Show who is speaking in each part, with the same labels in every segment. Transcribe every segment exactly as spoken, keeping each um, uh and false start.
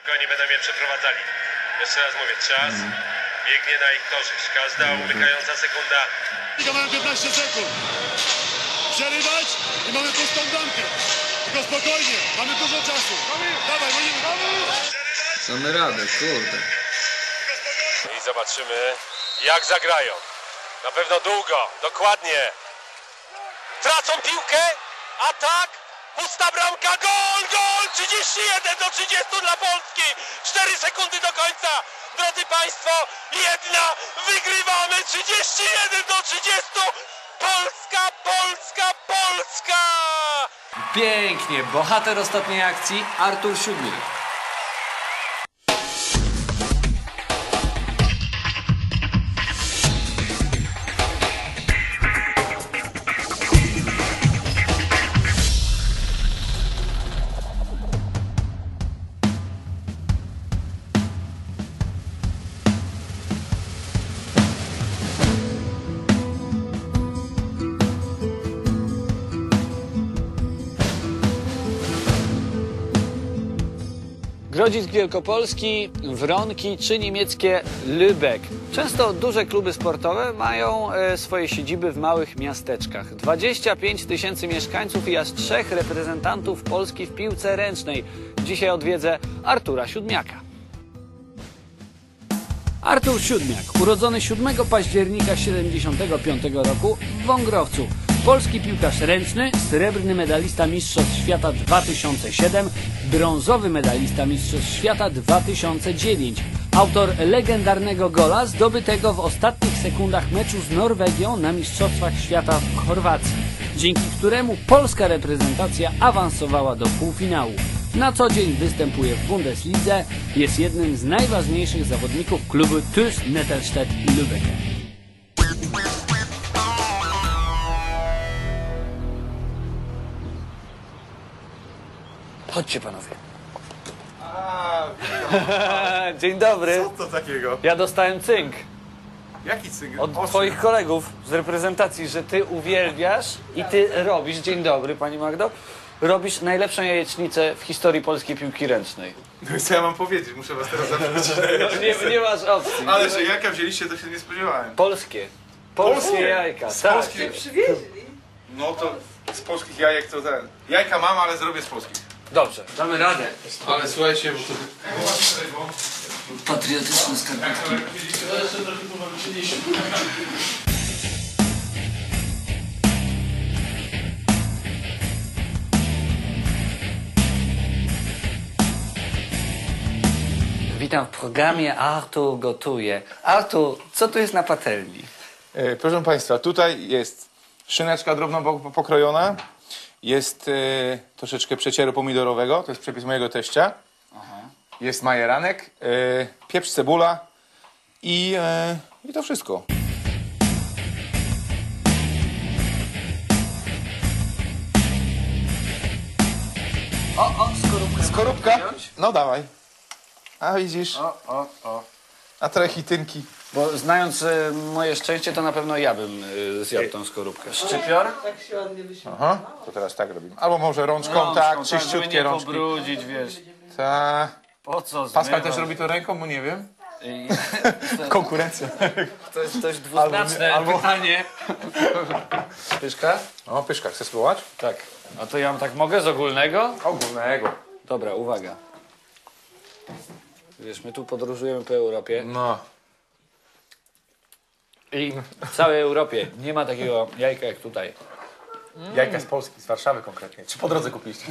Speaker 1: Oni będą mnie przeprowadzali. Jeszcze raz mówię, czas mm. biegnie na ich korzyść. Każda umykająca sekunda.
Speaker 2: Mamy piętnaście sekund. Przerywać i mamy pustą bramkę. Tylko spokojnie, mamy dużo czasu. Dawaj, gonimy.
Speaker 3: Damy radę, kurde.
Speaker 1: I zobaczymy, jak zagrają. Na pewno długo, dokładnie. Tracą piłkę, atak, pusta bramka, gol, gol! trzydzieści jeden do trzydziestu dla Polski. cztery sekundy do końca. Drodzy Państwo, jedna, wygrywamy trzydzieści jeden do trzydziestu. Polska, Polska, Polska!
Speaker 3: Pięknie, bohater ostatniej akcji Artur Siódmiak. Grodzisk Wielkopolski, Wronki czy niemieckie Lübeck. Często duże kluby sportowe mają e, swoje siedziby w małych miasteczkach. dwadzieścia pięć tysięcy mieszkańców i aż trzech reprezentantów Polski w piłce ręcznej. Dzisiaj odwiedzę Artura Siódmiaka. Artur Siódmiak, urodzony siódmego października tysiąc dziewięćset siedemdziesiątego piątego roku w Wągrowcu. Polski piłkarz ręczny, srebrny medalista Mistrzostw Świata dwa tysiące siedem, brązowy medalista Mistrzostw Świata dwa tysiące dziewięć. Autor legendarnego gola zdobytego w ostatnich sekundach meczu z Norwegią na Mistrzostwach Świata w Chorwacji, dzięki któremu polska reprezentacja awansowała do półfinału. Na co dzień występuje w Bundeslidze, jest jednym z najważniejszych zawodników klubu TuS Nettelstedt-Lübeck. Chodźcie panowie.
Speaker 4: A,
Speaker 3: Dzień dobry.
Speaker 4: co to takiego?
Speaker 3: Ja dostałem cynk
Speaker 4: Jaki cynk?
Speaker 3: od twoich kolegów z reprezentacji, że ty uwielbiasz i ty robisz, dzień dobry pani Magdo, robisz najlepszą jajecznicę w historii polskiej piłki ręcznej.
Speaker 4: No i co ja mam powiedzieć? Muszę was teraz zaprosić.
Speaker 3: No, nie, nie masz opcji.
Speaker 4: Ale że jajka wzięliście, to się nie spodziewałem.
Speaker 3: Polskie. Polskie,
Speaker 4: Polskie?
Speaker 3: jajka.
Speaker 4: Z
Speaker 3: Tak.
Speaker 4: polskich? No to z polskich jajek to ten. Jajka mam, ale zrobię z polskich.
Speaker 3: Dobrze, damy radę.
Speaker 4: Ale słuchajcie, bo to...
Speaker 3: Patriotyczne skarpetki. Witam w programie Artur gotuje. Artur, co tu jest na patelni?
Speaker 4: E, proszę Państwa, tutaj jest szyneczka drobno po- pokrojona. Jest e, troszeczkę przecieru pomidorowego, to jest przepis mojego teścia. Jest majeranek, e, pieprz, cebula i, e, i to wszystko.
Speaker 3: O, o, skorupkę.
Speaker 4: Skorupka? No dawaj. A widzisz,
Speaker 3: O, o, o.
Speaker 4: a trochę hitynki.
Speaker 3: Bo znając e, moje szczęście, to na pewno ja bym e, zjadł tą skorupkę. Szczypior?
Speaker 4: Aha, to teraz tak robimy. Albo może rączką,
Speaker 3: Rączką,
Speaker 4: tak,
Speaker 3: żeby
Speaker 4: czyściutkie
Speaker 3: nie
Speaker 4: rączki.
Speaker 3: pobrudzić, wiesz.
Speaker 4: Ta.
Speaker 3: Po co
Speaker 4: Pascal
Speaker 3: zmywać?
Speaker 4: też robi to ręką, bo nie wiem.
Speaker 3: I-
Speaker 4: Konkurencja.
Speaker 3: To jest dość dwuznaczne
Speaker 4: Albo- albo-
Speaker 3: pytanie. Pyszka?
Speaker 4: O, pyszka, chcesz spróbować?
Speaker 3: Tak. A to ja tak mogę z ogólnego?
Speaker 4: Ogólnego.
Speaker 3: Dobra, uwaga. Wiesz, my tu podróżujemy po Europie
Speaker 4: No.
Speaker 3: i w całej Europie nie ma takiego jajka jak tutaj.
Speaker 4: Jajka z Polski, z Warszawy konkretnie. Czy po drodze kupiliście?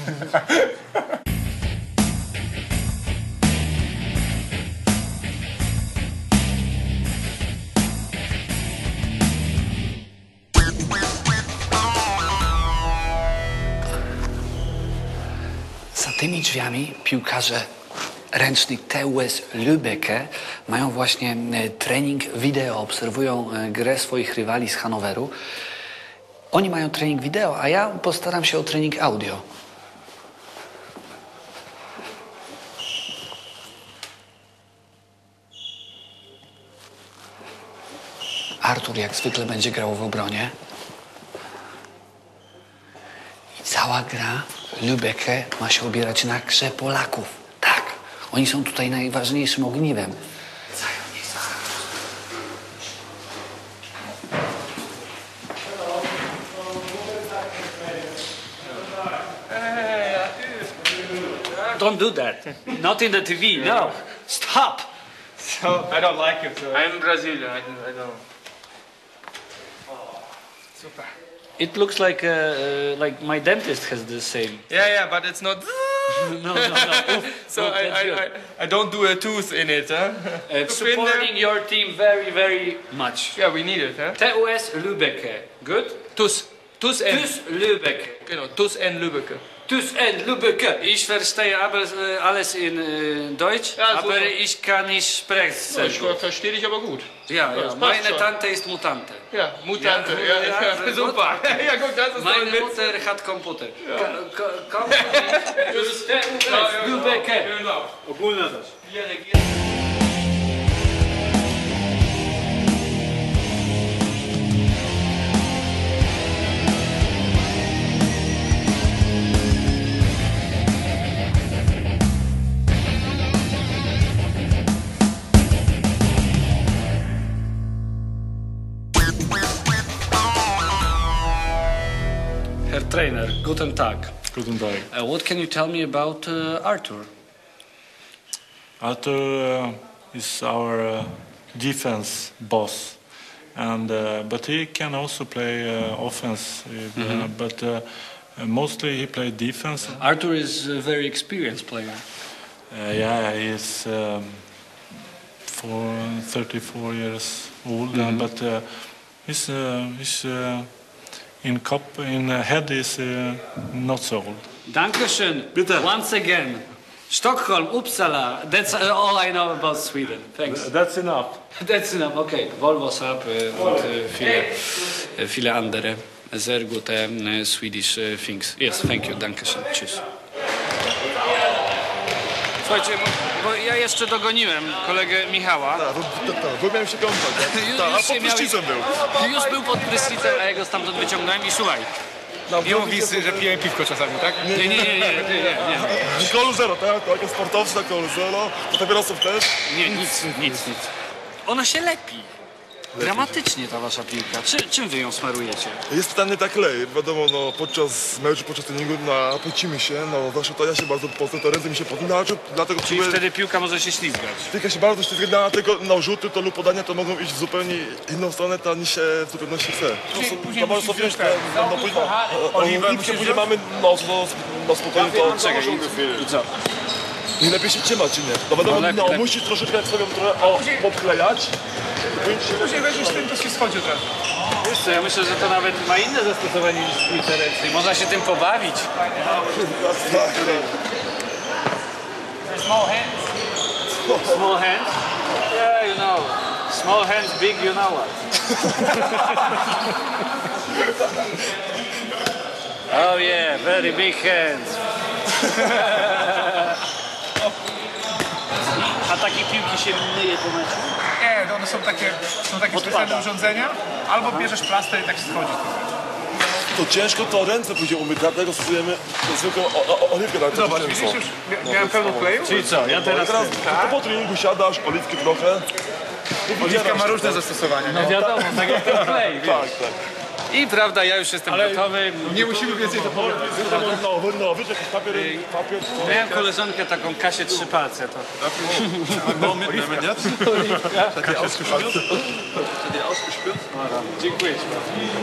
Speaker 3: Za tymi drzwiami piłkarze ręcznych TuS Lübeck mają właśnie e, trening wideo, obserwują e, grę swoich rywali z Hanoweru. Oni mają trening wideo, a ja postaram się o trening audio. Artur jak zwykle będzie grał w obronie. I cała gra Lübeck ma się opierać na grze Polaków. Tak, Oni są tutaj najważniejszym ogniwem. Don't do that. Not in the T V. No. Stop.
Speaker 5: So I don't like it. So. I'm Brazilian. I don't. I don't. Super.
Speaker 3: It looks like uh, uh, like my dentist has the same.
Speaker 5: Yeah, yeah, but it's not.
Speaker 3: No, no, no. Oof,
Speaker 5: So
Speaker 3: oof,
Speaker 5: I,
Speaker 3: that's
Speaker 5: I,
Speaker 3: good.
Speaker 5: I, I don't do a tooth in it, huh?
Speaker 3: Uh, supporting your team very, very much.
Speaker 5: Yeah, we need it, huh?
Speaker 3: T U S Lübeck. Good?
Speaker 5: Tus. Tus and.
Speaker 3: Tus Lübeck.
Speaker 5: Genau, Tus and Lübeck.
Speaker 3: Tus and Lübeck. Ich verstehe alles, äh, alles in äh, Deutsch,
Speaker 5: Ja,
Speaker 3: aber
Speaker 5: super.
Speaker 3: ich kann nicht sprechen.
Speaker 5: Ja, ich ver- verstehe dich aber gut.
Speaker 3: Ja, ja.
Speaker 5: das passt
Speaker 3: Meine
Speaker 5: schon.
Speaker 3: Tante ist Mutante.
Speaker 5: Ja, Mutante.
Speaker 3: Ja,
Speaker 5: Ja,
Speaker 3: ja,
Speaker 5: ja,
Speaker 3: ja,
Speaker 5: super. Ja, guck, das ist doch
Speaker 3: Meine
Speaker 5: ein Witz.
Speaker 3: Mutter hat Computer. Ka- ka- Company Tus T U S Lübeck.
Speaker 5: Genau.
Speaker 3: Ogólna też.
Speaker 5: Wir regieren.
Speaker 3: Herr Trainer, guten Tag.
Speaker 6: Guten Tag.
Speaker 3: Uh, what can you tell me about uh, Arthur?
Speaker 6: Arthur uh, is our uh, defense boss, and uh, but he can also play uh, offense. Uh, uh, but uh, uh, mostly he played defense.
Speaker 3: Arthur is a very experienced player.
Speaker 6: Uh, yeah, he's um, for thirty-four years old, uh, but uh, he's uh, he's uh, in cup in uh, head is uh, not so old.
Speaker 3: Dankeschön.
Speaker 6: Bitte.
Speaker 3: Once again. Stockholm, Uppsala. That's uh, all I know about Sweden. Thanks.
Speaker 6: That's enough.
Speaker 3: That's enough. Okay. Volvo, Saab äh, und äh, viele, äh, viele andere sehr gute äh, Swedish äh, things. Yes, thank you. Dankeschön. Tschüss. Słuchajcie, bo, bo ja jeszcze dogoniłem kolegę Michała.
Speaker 2: Tak, bo, tak, bo miałem się kąpać. Tak,
Speaker 3: Już-
Speaker 2: tak, a
Speaker 3: już się
Speaker 2: pod
Speaker 3: miałeś-
Speaker 2: prysznicem był.
Speaker 3: Już był pod prysznicem, a ja go stamtąd wyciągnąłem i słuchaj.
Speaker 2: Nie mówisz, że piję piwko czasami, tak?
Speaker 3: Nie, nie, nie, nie, nie, nie.
Speaker 2: Kolu zero, tak? To jako sportowcy na kolu zero, to papierosów też.
Speaker 3: Nie, nic, nic, nic. Ona się lepi. Dramatycznie ta wasza piłka. Czy, czym wy ją smarujecie?
Speaker 2: Jest pytanie tak klej, wiadomo, no podczas meczu, podczas treningu napocimy się, no zawsze to ja się bardzo pocę, to ręce mi się podinaczą, dlatego
Speaker 3: Czyli
Speaker 2: czuję,
Speaker 3: wtedy piłka może się ślizgać.
Speaker 2: tylko się bardzo ślizga, dlatego no rzuty to lub podania to mogą iść w zupełnie inną stronę, ta niż się w zupełności chce. To może sobie wziąć, no, no później, oliwkę później mamy, no, no, no spokojnie to...
Speaker 3: Czekaj, i co?
Speaker 2: I lepiej się trzymać, czy nie? No wiadomo,
Speaker 3: No, lepiej,
Speaker 2: no
Speaker 3: lepiej.
Speaker 2: musisz troszeczkę jak sobie trochę o, podklejać.
Speaker 5: Później weźmiesz tym, to się schodzi od razu.
Speaker 3: Wiesz co, ja myślę, że to nawet ma inne zastosowanie niż w piłce ręcznej. Można się tym pobawić.
Speaker 5: Small hands.
Speaker 3: Small hands? Yeah, you know. Small hands, big, you know what. Oh yeah, very big hands. A takie piłki się myje po meczu?
Speaker 5: Nie, no one są takie, są takie specjalne urządzenia. Albo bierzesz plaster i tak schodzi.
Speaker 2: To ciężko to ręce później umyć, dlatego stosujemy zwykłą o- o- oliwkę na
Speaker 5: Zobacz, widzisz już? Mia- Miałem pełno kleju.
Speaker 3: Czyli co, ja
Speaker 2: I
Speaker 3: teraz...
Speaker 2: teraz tylko po treningu siadasz, oliwki trochę.
Speaker 5: Oliwka ma różne zastosowania.
Speaker 3: No wiadomo, tak jak ten klej, wiesz.
Speaker 2: Tak, tak.
Speaker 3: I prawda, ja już jestem gotowy.
Speaker 5: Nie musimy więcej to powiedzieć.
Speaker 2: No, no, no, wiesz, jakiś papier, papier, to...
Speaker 3: Miałem koleżankę taką Kasię trzy palce, to...
Speaker 2: No, mitnehmen jetzt? Seid ihr ausgespült? Seid ihr ausgespült?
Speaker 3: Dziękuję ci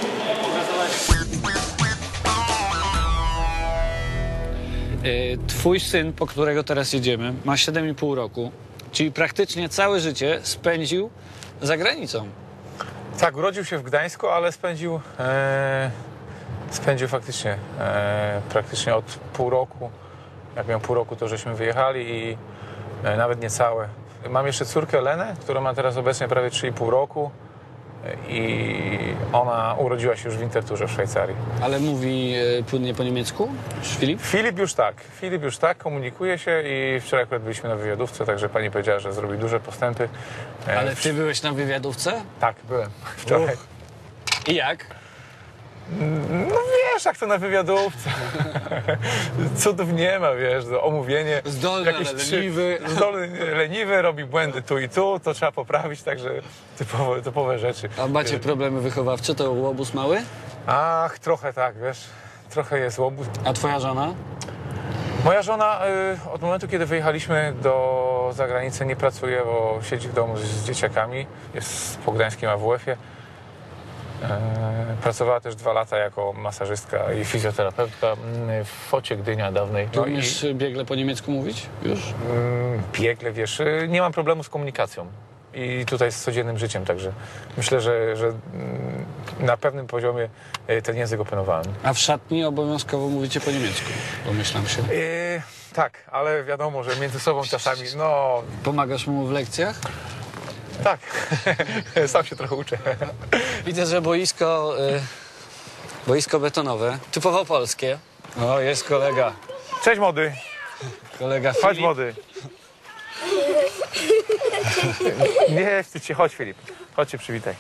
Speaker 3: bardzo. Twój syn, po którego teraz jedziemy, ma siedem i pół roku, czyli praktycznie całe życie spędził za granicą.
Speaker 7: Tak, urodził się w Gdańsku, ale spędził, e, spędził faktycznie e, praktycznie od pół roku. Jak miał pół roku, to żeśmy wyjechali i e, nawet niecałe. Mam jeszcze córkę Lenę, która ma teraz obecnie prawie trzy i pół roku e, i ona urodziła się już w Winterthurze w Szwajcarii.
Speaker 3: Ale mówi e, płynnie po niemiecku? Filip?
Speaker 7: Filip już tak, Filip już tak, komunikuje się i wczoraj akurat byliśmy na wywiadówce, także pani powiedziała, że zrobi duże postępy. E,
Speaker 3: Ale ty byłeś na wywiadówce?
Speaker 7: Tak, byłem wczoraj.
Speaker 3: I jak?
Speaker 7: No wiesz, jak to na wywiadówce. Cudów nie ma, wiesz, to omówienie.
Speaker 3: Zdolny,
Speaker 7: jakieś
Speaker 3: ale
Speaker 7: trzy-
Speaker 3: leniwy.
Speaker 7: Zdolny, leniwy, robi błędy tu i tu, to trzeba poprawić, także typowe, typowe rzeczy.
Speaker 3: A macie problemy wychowawcze? To łobuz mały?
Speaker 7: Ach, trochę tak, wiesz, trochę jest łobuz.
Speaker 3: A twoja żona?
Speaker 7: Moja żona y, od momentu, kiedy wyjechaliśmy do zagranicy, nie pracuje, bo siedzi w domu z, z dzieciakami, jest po gdańskim A W F-ie. E, pracowała też dwa lata jako masażystka i fizjoterapeutka mm, w Focie Gdynia dawnej.
Speaker 3: Czy
Speaker 7: No i
Speaker 3: umiesz biegle po niemiecku mówić już?
Speaker 7: mm, biegle, wiesz, y, nie mam problemu z komunikacją. I tutaj z codziennym życiem, także myślę, że, że mm, na pewnym poziomie y, ten język opanowałem.
Speaker 3: A w szatni obowiązkowo mówicie po niemiecku, domyślam się.
Speaker 7: Y, tak, ale wiadomo, że między sobą czasami, no
Speaker 3: Pomagasz mu w lekcjach?
Speaker 7: tak, sam się trochę uczę.
Speaker 3: Widzę, że boisko, y, boisko betonowe, typowo polskie. O, jest kolega,
Speaker 7: Cześć młody,
Speaker 3: kolega
Speaker 7: chodź
Speaker 3: Filip.
Speaker 7: młody. Nie wstydź się, chodź Filip, chodź się przywitaj.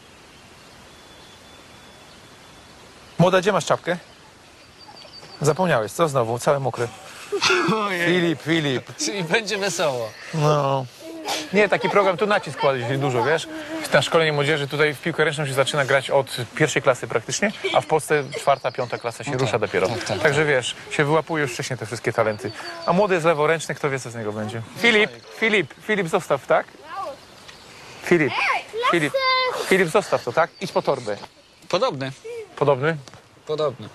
Speaker 7: Młoda, gdzie masz czapkę? Zapomniałeś, co znowu? Cały mokry. Filip, Filip.
Speaker 3: Czyli będzie wesoło.
Speaker 7: No. Nie, taki program, tu nacisk kładzie dużo, wiesz? Na szkolenie młodzieży tutaj w piłkę ręczną się zaczyna grać od pierwszej klasy praktycznie, a w Polsce czwarta, piąta klasa się
Speaker 3: No
Speaker 7: rusza
Speaker 3: tak,
Speaker 7: dopiero.
Speaker 3: tak, tak,
Speaker 7: Także wiesz, się wyłapuje już wcześniej te wszystkie talenty. A młody jest leworęczny, kto wie, co z niego będzie. Filip, Filip, Filip, zostaw, tak? Filip, Filip, Filip, zostaw to, tak? Idź po torbę.
Speaker 3: Podobny,
Speaker 7: Podobny?
Speaker 3: podobny.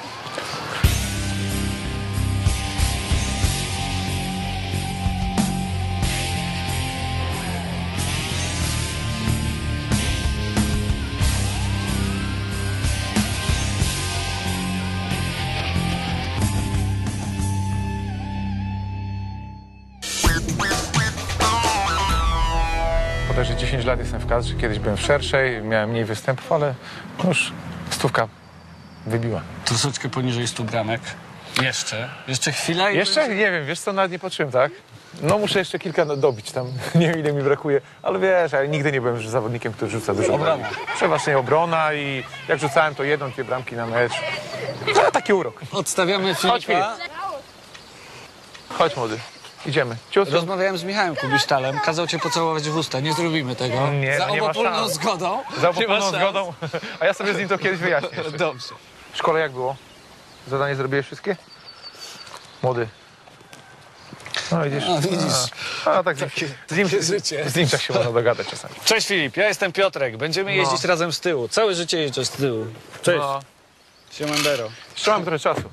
Speaker 7: Bodajże dziesięć lat jestem w kadrze, kiedyś byłem w szerszej, miałem mniej występów, ale no już stówka wybiła.
Speaker 3: Troszeczkę poniżej stu bramek. Jeszcze. Jeszcze chwila i...
Speaker 7: Jeszcze? Nie wiem, wiesz co, nawet nie patrzyłem, tak? No muszę jeszcze kilka no, dobić tam, nie wiem ile mi brakuje, ale wiesz, ja nigdy nie byłem zawodnikiem, który rzuca dużo
Speaker 3: Obrona.
Speaker 7: bramek. Przeważnie obrona i jak rzucałem to jedną, dwie bramki na mecz. No, taki urok.
Speaker 3: Odstawiamy
Speaker 7: Chodź,
Speaker 3: Filipa.
Speaker 7: Chodź młody, idziemy. Ciut.
Speaker 3: Rozmawiałem z Michałem Kubisztalem, kazał cię pocałować w usta. Nie zrobimy tego.
Speaker 7: Nie,
Speaker 3: Za
Speaker 7: no nie ma
Speaker 3: obopólną
Speaker 7: szans.
Speaker 3: zgodą.
Speaker 7: Za
Speaker 3: Nie ma
Speaker 7: opóźnioną
Speaker 3: szans.
Speaker 7: zgodą, a ja sobie z nim to kiedyś wyjaśnię. jeszcze.
Speaker 3: Dobrze.
Speaker 7: W szkole jak było? Zadanie zrobiłeś wszystkie? Młody. No widzisz.
Speaker 3: No, widzisz.
Speaker 7: A, a tak z nim, z, nim,
Speaker 3: takie
Speaker 7: z,
Speaker 3: życie.
Speaker 7: z nim tak się można dogadać czasami.
Speaker 3: Cześć Filip, ja jestem Piotrek. Będziemy jeździć razem z tyłu. Całe życie jeżdżę z tyłu. Cześć.
Speaker 7: No,
Speaker 3: Siemandero.
Speaker 7: jeszcze mam trochę czasu.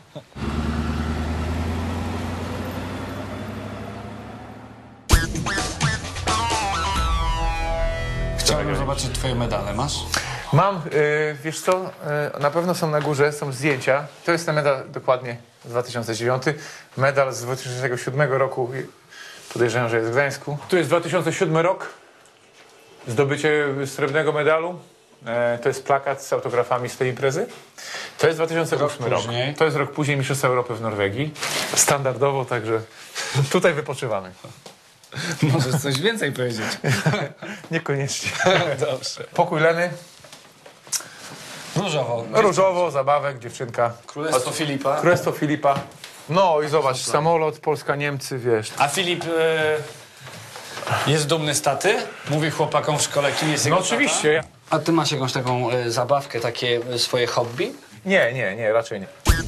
Speaker 3: Chciałbym zobaczyć twoje medale. Masz?
Speaker 7: Mam, y, wiesz co, y, na pewno są na górze, są zdjęcia. To jest ten medal dokładnie z dwa tysiące dziewiąty. Medal z dwa tysiące siódmego roku, podejrzewam, że jest w Gdańsku. Tu jest dwa tysiące siódmy rok, zdobycie srebrnego medalu. E, to jest plakat z autografami z tej imprezy. To jest dwa tysiące ósmy rok.
Speaker 3: później.
Speaker 7: To jest rok później Mistrzostwa Europy w Norwegii. Standardowo, także tutaj wypoczywamy.
Speaker 3: Możesz coś więcej powiedzieć.
Speaker 7: Niekoniecznie.
Speaker 3: Dobrze.
Speaker 7: Pokój Leny,
Speaker 3: Różowo.
Speaker 7: różowo, zabawek, dziewczynka.
Speaker 3: Królestwo Filipa.
Speaker 7: Królestwo Filipa. No i zobacz, samolot, Polska, Niemcy, wiesz.
Speaker 3: A Filip e, jest dumny z taty? Mówi chłopakom w szkole, kim jest jego
Speaker 7: No oczywiście.
Speaker 3: tata? A ty masz jakąś taką e, zabawkę, takie e, swoje hobby?
Speaker 7: Nie, nie, nie, raczej nie.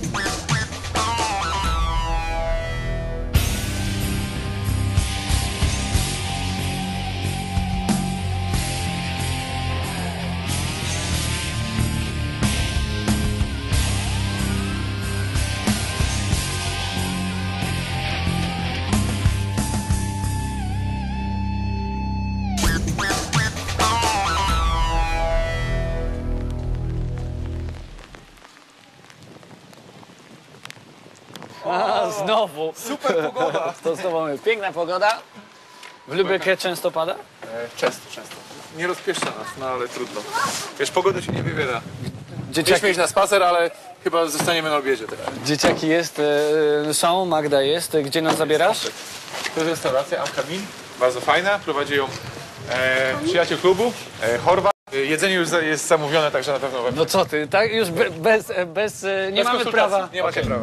Speaker 3: A, znowu. Super pogoda. To znowu mamy piękna pogoda. W Lübeckie często pada?
Speaker 7: Często, często. Nie rozpieszcza nas, no ale trudno. Wiesz, pogoda się nie wybiera.
Speaker 3: Dzieciaki,
Speaker 7: Mieliśmy iść na spacer, ale chyba zostaniemy na obiedzie teraz.
Speaker 3: dzieciaki jest, e, są, Magda jest. Gdzie nas zabierasz?
Speaker 7: To jest restauracja Amkamin, bardzo fajna. Prowadzi ją e, przyjaciel klubu, e, Chorwat. Jedzenie już za- jest zamówione, także na pewno... we-
Speaker 3: No co ty, tak? Już be, bez, bez, e, nie
Speaker 7: Bez
Speaker 3: mamy
Speaker 7: konsultacji.
Speaker 3: prawa.
Speaker 7: Nie macie
Speaker 3: Okej.
Speaker 7: prawa.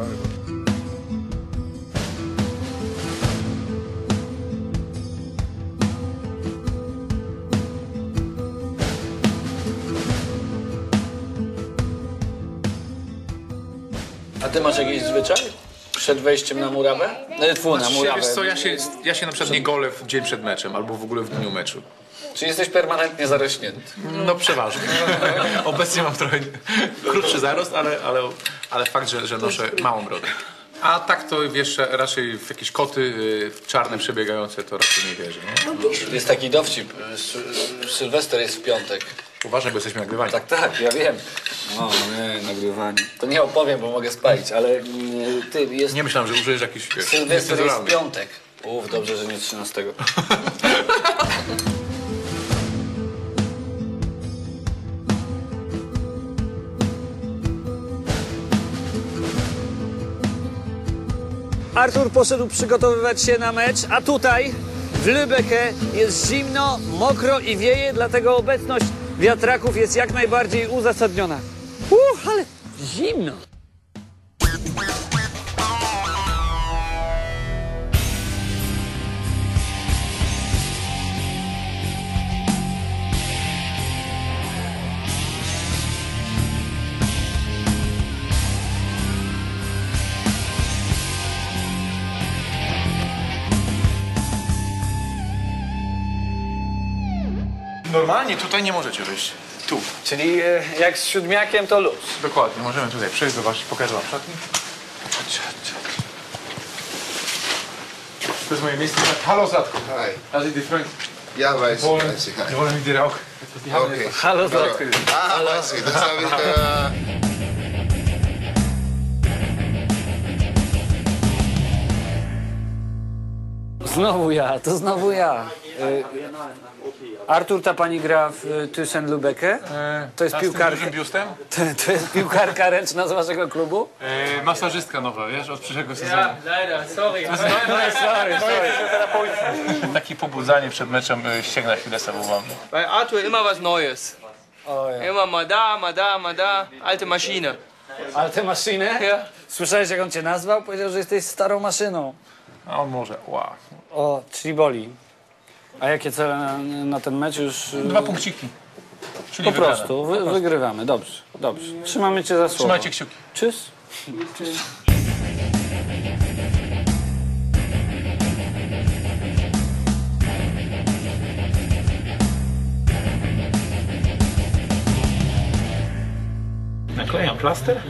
Speaker 3: A ty masz jakiś zwyczaj? Przed wejściem na murawę? No, tfu, na
Speaker 7: Znaczy,
Speaker 3: murawę.
Speaker 7: wiesz co, ja się, ja się na przykład nie golę w dzień przed meczem, albo w ogóle w dniu meczu.
Speaker 3: Czy jesteś permanentnie zarośnięty?
Speaker 7: No przeważnie. Obecnie mam trochę krótszy zarost, ale, ale, ale fakt, że, że noszę małą brodę. A tak to wiesz, raczej w jakieś koty y, czarne przebiegające to raczej nie wierzę. Nie?
Speaker 3: Jest taki dowcip. Sy- Sylwester jest w piątek.
Speaker 7: Uważaj, bo jesteśmy nagrywani.
Speaker 3: Tak, tak, ja wiem. No nie, nagrywanie. To nie opowiem, bo mogę spalić, ale mm, ty, jest...
Speaker 7: Nie myślałem, że użyjesz jakiś wiesz,
Speaker 3: Sylwester jest w
Speaker 7: niecenzuralny.
Speaker 3: piątek. Uf, dobrze, że nie trzynastego. Artur poszedł przygotowywać się na mecz, a tutaj w Lübecke jest zimno, mokro i wieje, dlatego obecność wiatraków jest jak najbardziej uzasadniona. Uff, ale zimno.
Speaker 7: Normalnie tutaj nie możecie wyjść. Tu.
Speaker 3: Czyli e, jak z siódmiakiem to luz.
Speaker 7: Dokładnie, możemy tutaj przejść, zobaczyć, pokażę wam szatnię. Chodźcie, chodźcie. To jest moje miejsce. Halo, Zlatko.
Speaker 8: Hi.
Speaker 7: How's it different?
Speaker 8: Ja, weiß ich,
Speaker 7: Wollen,
Speaker 8: weiß ich. Hi.
Speaker 7: wir wollen mit dir auch.
Speaker 8: Okay.
Speaker 3: Halo, Zlatko.
Speaker 8: Ah, weiß ich. Das habe ich. Äh,
Speaker 3: Znowu ja, to znowu ja. E, Artur, ta pani gra w e, Thyssen-Lübecke. To jest
Speaker 7: A z tym
Speaker 3: piłkarka.
Speaker 7: dużym biustem?
Speaker 3: To, to jest piłkarka ręczna z waszego klubu?
Speaker 7: E, masażystka nowa, wiesz, od przyszłego sezonu.
Speaker 5: Leider, sorry.
Speaker 3: Sorry, sorry.
Speaker 7: Takie pobudzanie przed meczem, e, ścięgna Achillesa był mam.
Speaker 5: Bei Arthur immer was Neues. Immer mal da, mal da, mal da. Alte Maschine.
Speaker 3: Ale tę maszynę?
Speaker 5: Ja.
Speaker 3: Słyszałeś, jak on cię nazwał? Powiedział, że jesteś starą maszyną.
Speaker 7: A on może, wow.
Speaker 3: O, czyli boli. A jakie cele na, na ten mecz już... e,
Speaker 7: Dwa punkciki. Czyli
Speaker 3: Po
Speaker 7: wygrane.
Speaker 3: prostu, wy, wygrywamy. Dobrze, dobrze. Trzymamy cię za słowo.
Speaker 7: Trzymajcie kciuki.
Speaker 3: Czyż?
Speaker 7: Naklejam plaster.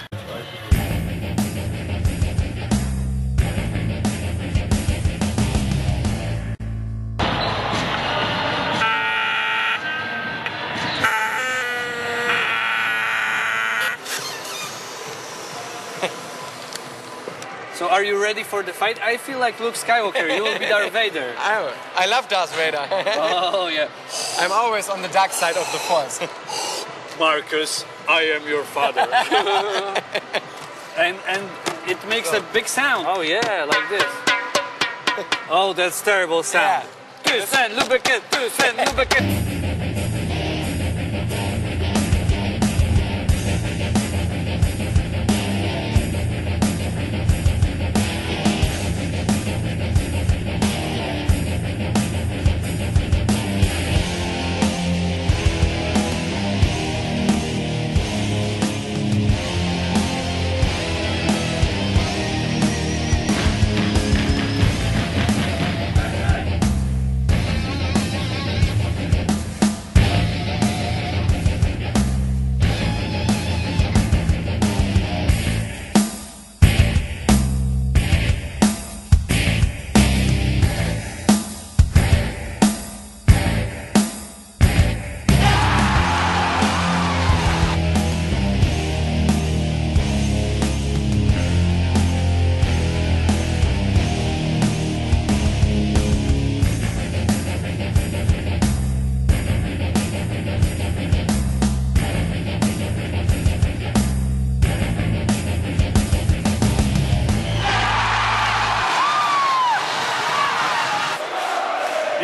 Speaker 3: So are you ready for the fight? I feel like Luke Skywalker. You will be Darth Vader.
Speaker 9: I, I love Darth Vader.
Speaker 3: Oh, yeah.
Speaker 9: I'm always on the dark side of the Force.
Speaker 3: Marcus, I am your father. and and it makes a big sound. Oh yeah, like this. Oh, that's terrible sound. Thyssen, Lübecke, Thyssen, Lübecke.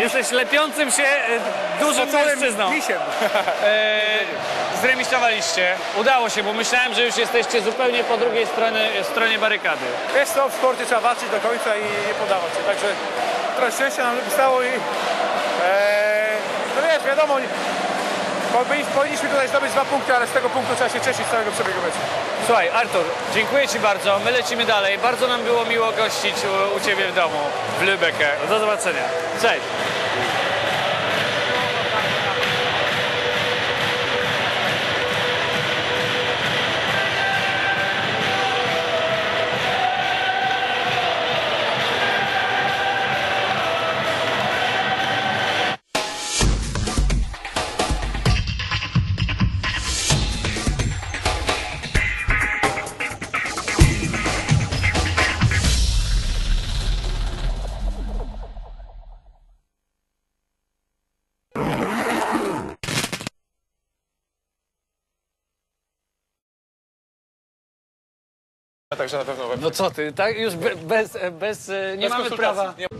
Speaker 3: Jesteś lepiącym się e, dużym mężczyzną. E, zremisowaliście. Udało się, bo myślałem, że już jesteście zupełnie po drugiej stronie, stronie barykady.
Speaker 7: Wiesz co, w sporcie trzeba walczyć do końca i nie podawać się. Także trochę szczęścia nam wystało i e, no wiesz, wiadomo, powinniśmy tutaj zdobyć dwa punkty, ale z tego punktu trzeba się cieszyć z całego przebiegu meczu.
Speaker 3: Słuchaj, Artur, dziękuję Ci bardzo. My lecimy dalej. Bardzo nam było miło gościć u, u Ciebie w domu, w Lübecke. Do zobaczenia. Cześć.
Speaker 7: Także na pewno...
Speaker 3: No co Ty, tak już be, bez, bez, nie
Speaker 7: Bez
Speaker 3: mamy
Speaker 7: konsultacji.
Speaker 3: prawa.
Speaker 7: Nie.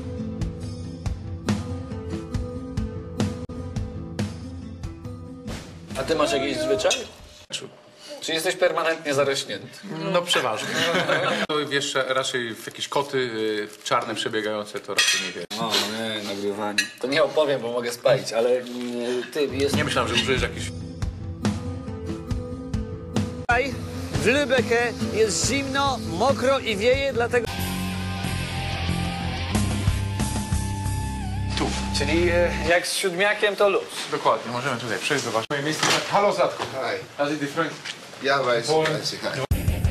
Speaker 3: A Ty masz jakiś zwyczaj? Czy jesteś permanentnie zarośnięty?
Speaker 4: No przeważnie. No, wiesz, raczej w jakieś koty y, czarne przebiegające to raczej nie wiesz.
Speaker 3: O nie, nagrywanie. To nie opowiem, bo mogę spalić, ale y, Ty jest...
Speaker 4: Nie myślałem, że użyjesz jakiś...
Speaker 3: Tutaj w Lübecke jest zimno, mokro i wieje, dlatego...
Speaker 4: Tu.
Speaker 3: Czyli e, jak z siódmiakiem to luz.
Speaker 4: Dokładnie, możemy tutaj przejść, zobaczyć. Moje miejsce... Halo, Zlatko.
Speaker 8: Hi.
Speaker 4: How's it different?
Speaker 8: Ja weiß, weiß ich. Hi.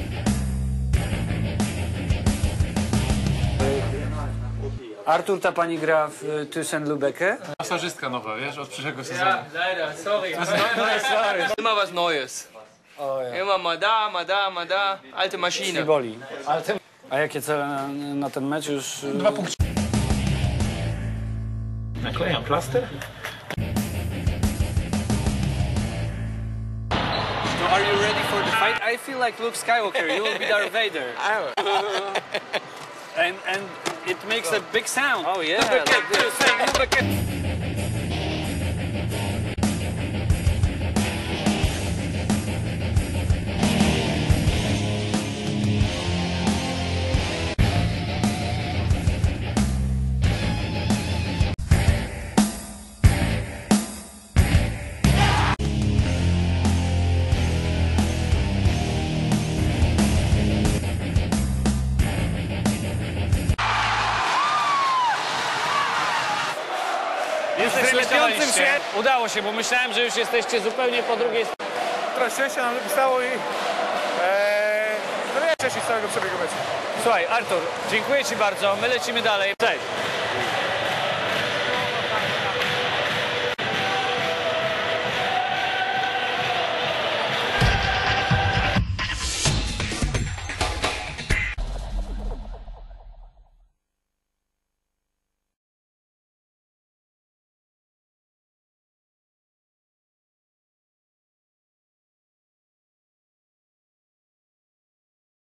Speaker 3: Artur, ta pani gra w y, Thyssen-Lübecke?
Speaker 4: Masażystka nowa, wiesz, od przyszłego sezonu.
Speaker 5: Ja, leider, sorry. Immer was Neues. Immer mal da, mal da, mal da. Alte Maschine.
Speaker 3: Boli. Ale ty... A jakie cele na, na ten mecz już... y,
Speaker 4: Dwa punkty. Naklejam plaster?
Speaker 3: So are you ready for the fight? I feel like Luke Skywalker. You will be Darth Vader. and and it makes a big sound. Oh yeah. Like this. Jesteś lepiącym się. Udało się, bo myślałem, że już jesteście zupełnie po drugiej stronie.
Speaker 7: Trochę szczęścia nam wystało i e, no wiesz, cieszyć z całego przebiegu meczu.
Speaker 3: Słuchaj, Artur, dziękuję Ci bardzo. My lecimy dalej. Cześć.